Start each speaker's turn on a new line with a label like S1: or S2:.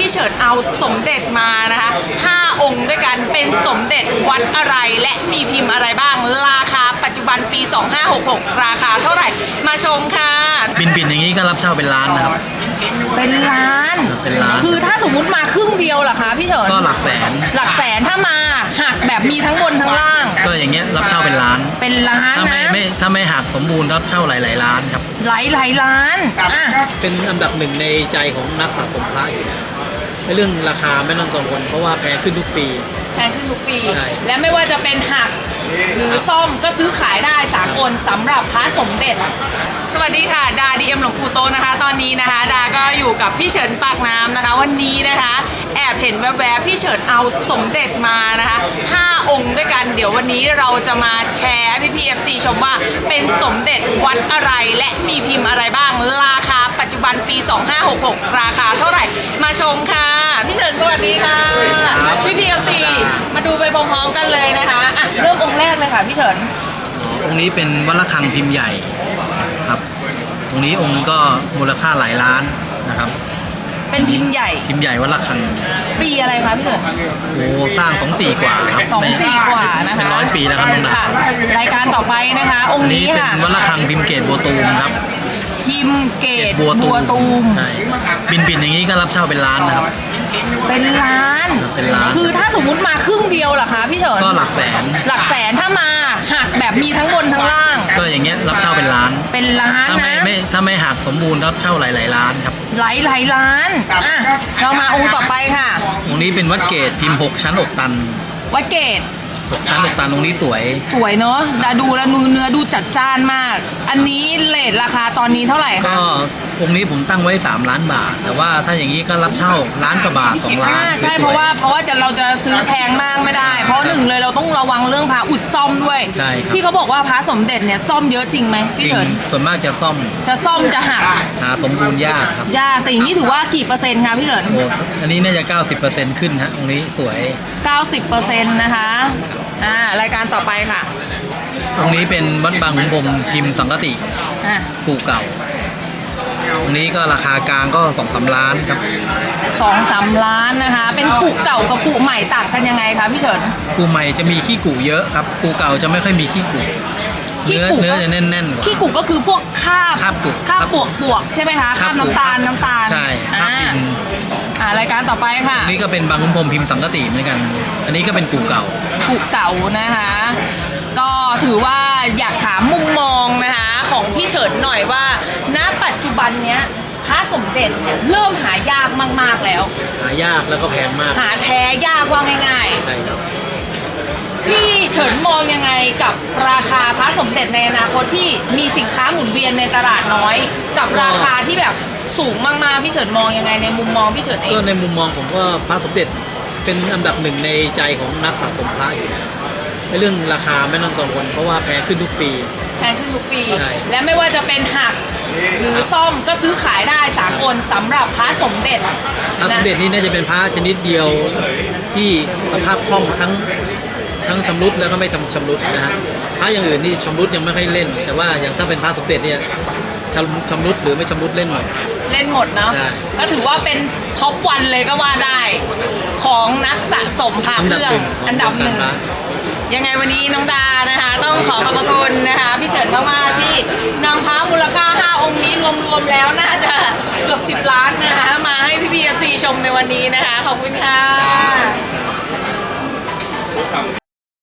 S1: เฉินเอาสมเด็จมานะคะ5 องค์ด้วยกันเป็นสมเด็จวัดอะไรและมีพิมพ์อะไรบ้างราคาปัจจุบันปี 2566 ราคาเท่าไหร่มาชมค่ะ
S2: บินอย่างนี้ก็รับเช่าเป็นล้านนะครับ
S1: เป็นล้านคือถ้าสมมุติมาครึ่งเดียวล่ะคะพี่เฉิน
S2: ก็หลักแสน
S1: ถ้ามาหักแบบมีทั้งบนทั้งล่าง
S2: ก็อย่างเงี้ยรับเช่าเป็นล้าน
S1: นะ
S2: ถ้าไม่หักสมบูรณ์รับเช่าหลายล้านครับ
S1: หลายล้าน
S2: เป็นอันดับหนึ่งในใจของนักสะสมพระอยู่นะเรื่องราคาไม่ต้องกังวลเพราะว่าแพงขึ้นทุกปีและไม่ว่าจะเป็นหักหรือซ่อมก็ซื้อขายได้สากลสำหรับพระสมเด็จสวัสดีค่ะดาดีเอ็มหลวงปู่โตนะคะตอนนี้นะคะดาก็อยู่กับพี่เฉินปากน้ำนะคะวันนี้นะคะแอบเห็นแวบๆพี่เฉินเอาสมเด็จมานะคะ5 องค์ด้วยกันเดี๋ยววันนี้เราจะมาแชร์พี่ๆ FC ชมว่าเป็นสมเด็จวัดอะไรและมีพิมพ์อะไรบ้างราคาปัจจุบันปี 2566 ราคาเท่าไหร่มาชมค่ะพี่เฉินสวัสดีค่ะพี่ๆ FC มาดูไปพร้อมๆกันเลยนะคะอ่ะเริ่มองค์แรกเลยค่ะพี่เฉินองค์นี้เป็นวัดระฆังพิมพ์ใหญ่ครับตรงนี้องค์นึงก็มูลค่าหลายล้านนะครับ
S1: เป็นพิมพ์ใหญ่
S2: วัดระฆัง
S1: ปีอะไรคะพี่เกิด
S2: โอ้สร้าง24 กว่าครับ
S1: 24 กว่านะคะ
S2: เป็น100 ปีแล้วครับน้องดาร
S1: ายการต่อไปนะคะองค์นี้ค่ะ
S2: เป็นวัดระฆังพิมพ์เกตบัวตูมครับ
S1: พิมพ์เกตบัวตูม
S2: ใช่บินอย่างนี้ก็รับเช่าเป็นล้านนะครับ
S1: เป็นล้านคือถ้าสมมุติมาครึ่งเดียวล่ะคะพี่เฉิน
S2: ก็หลักแสน
S1: ถ้ามาหักแบบมีทั้งบนทั้งล่าง
S2: ก็อย่างเงี้ยรับเช่าเป็นล้าน
S1: นะ
S2: ถ้าไม่หักสมบูรณ์รับเช่าหลายล้านครับ
S1: หลายล้านเรามาองค์ต่อไปค่ะ
S2: องค์นี้เป็นวัดเกตพิมพ์6 ชั้นอกตัน
S1: วัดเกต
S2: 6 ชั้นอกตันตรงนี้สวย
S1: เนาะดูแล้วเนื้อดูจัดจ้านมากอันนี้เรทราคาตอนนี้เท่าไหร่คะ
S2: ก็องค์นี้ผมตั้งไว้3 ล้านบาทแต่ว่าถ้าอย่างนี้ก็รับเช่าล้านกว่าบาท2 ล้าน
S1: ใช่เพราะว่าเราจะซื้อแพงมากไม่ได้เพราะหนึ่งเลยเราต้องระวังเรื่องพระอุดซ่อมด้วย
S2: ใช่
S1: ที่เขาบอกว่าพระสมเด็จเนี่ยซ่อมเยอะจริงไหมพี่เฉิน
S2: ส่วนมากจะซ่อม
S1: จะหัก
S2: หาสมบูรณ์ยากครับ
S1: ยากแต่อย่างนี้ถือว่ากี่เปอร์เซ็นต์คะพี่เฉิน
S2: อันนี้น่าจะ90%ขึ้นฮะองค์นี้สวย
S1: 90%นะคะรายการต่อไปค่ะ
S2: ตรงนี้เป็นวัดบางขุนพรหมพิมพ์สังกติกูเก่าตรงนี้ก็ราคากลางก็2-3 ล้านครับ
S1: 2-3 ล้านนะคะเป็นกูเก่ากับกูใหม่ต่างกันยังไงคะพี่เฉิน
S2: กูใหม่จะมีขี้กูเยอะครับกูเก่าจะไม่ค่อยมีขี้กูเนื้อจะแน่นๆกว่า
S1: ขี้กูก็คือพวกคราบปวกใช่ไหมคะคราบน้ำตาล
S2: ใช่คราบดิน
S1: รายการต่อไปค่ะ
S2: นี่ก็เป็นบางขุนพรหมพิมพ์สังกติเหมือนกันอันนี้ก็เป็นกูเก่า
S1: นะคะก็ถือว่าอยากถามมุมมองนะคะของพี่เฉินหน่อยว่าณปัจจุบันเนี้ยพระสมเด็จเนี่ยเริ่มหายากมากๆแล้ว
S2: หายากแล้วก็แพงมาก
S1: หาแท้ยากว่าง่าย
S2: ๆใช่ครับ
S1: พี่เฉินมองยังไงกับราคาพระสมเด็จในอนาคตที่มีสินค้าหมุนเวียนในตลาดน้อยกับราคาที่แบบสูงมากๆพี่เฉินมองยังไงในมุมมองพี่เฉินเอง
S2: ก็ในมุมมองผมว่าพระสมเด็จเป็นอันดับหนึ่งในใจของนักสะสมพระอยู่นะเรื่องราคาไม่ต้องกังวลเพราะว่าแพงขึ้นทุกปีและไม่ว่าจะเป็นหักหรือซ่อมก็ซื้อขายได้สากลสำหรับพระสมเด็จ
S1: พระ
S2: สมเด็จนี่น่าจะเป็นพระชนิดเดียวที่สภาพคล่องทั้งชำรุดแล้วก็ไม่ทำชำรุดนะฮะพระอย่างอื่นนี่ชำรุดยังไม่ค่อยเล่นแต่ว่าอย่างถ้าเป็นพระสมเด็จเนี่ยชำรุดหรือไม่ชำรุดเล่นหมด
S1: เนาะก็ถือว่าเป็นท็อปวันเลยก็ว่าได้ของนักสะสมพระเครื่องอันดับหนึ่งยังไงวันนี้น้องดานะคะต้องขอขอบพระคุณนะคะพี่เฉินมากๆที่นำพระมูลค่า5 องค์นี้รวมๆแล้วน่าจะเกือบ10 ล้านนะคะมาให้พี่ๆ FC ชมในวันนี้นะคะขอบคุณค่ะ